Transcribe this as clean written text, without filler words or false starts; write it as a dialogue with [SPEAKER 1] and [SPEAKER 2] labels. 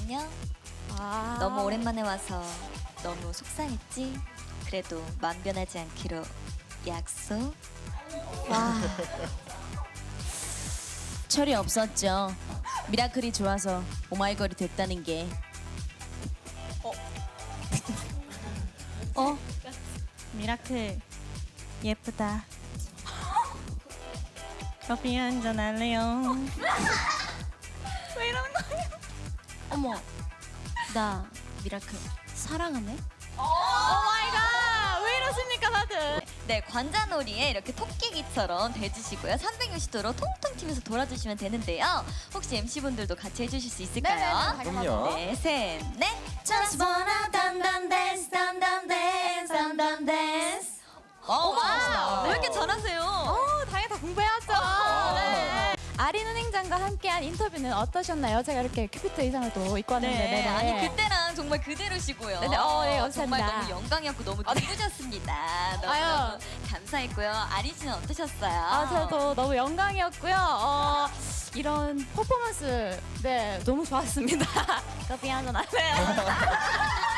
[SPEAKER 1] 안녕.
[SPEAKER 2] 아.
[SPEAKER 1] 너무 오랜만에 와서 너무 속상했지? 그래도 맘 변하지 않기로 약속.
[SPEAKER 2] 와. 철이 없었죠. 미라클이 좋아서 오마이걸이 됐다는 게.
[SPEAKER 3] 미라클 예쁘다. 커피 한잔 할래요? 왜 이러는 거예요?
[SPEAKER 2] 어머, 나 미라클 사랑하네.
[SPEAKER 3] 오마이갓! 왜 이러십니까 다들?
[SPEAKER 1] 네, 관자놀이에 이렇게 토끼기처럼 대주시고요. 360도로 통통 튀면서 돌아주시면 되는데요. 혹시 MC분들도 같이 해주실 수 있을까요?
[SPEAKER 4] 그럼요.
[SPEAKER 1] 네, 셋, 넷.
[SPEAKER 2] Just wanna dance, dance.
[SPEAKER 1] 와, 왜 이렇게 잘하세요?
[SPEAKER 3] 당연히 다 공부해왔죠. 네. 아린 은행장과 함께한 인터뷰는 어떠셨나요? 제가 이렇게 큐피트 의상을 또 입고 왔는데.
[SPEAKER 1] 네,
[SPEAKER 3] 네네.
[SPEAKER 1] 아니 그때랑 정말 그대로시고요.
[SPEAKER 3] 네네, 네, 감사합니다.
[SPEAKER 1] 정말 너무 영광이었고 너무 기쁘셨습니다. 너무 감사했고요. 아린 씨는 어떠셨어요?
[SPEAKER 3] 저도 너무 영광이었고요. 이런 퍼포먼스 너무 좋았습니다. 커피 한잔 하세요.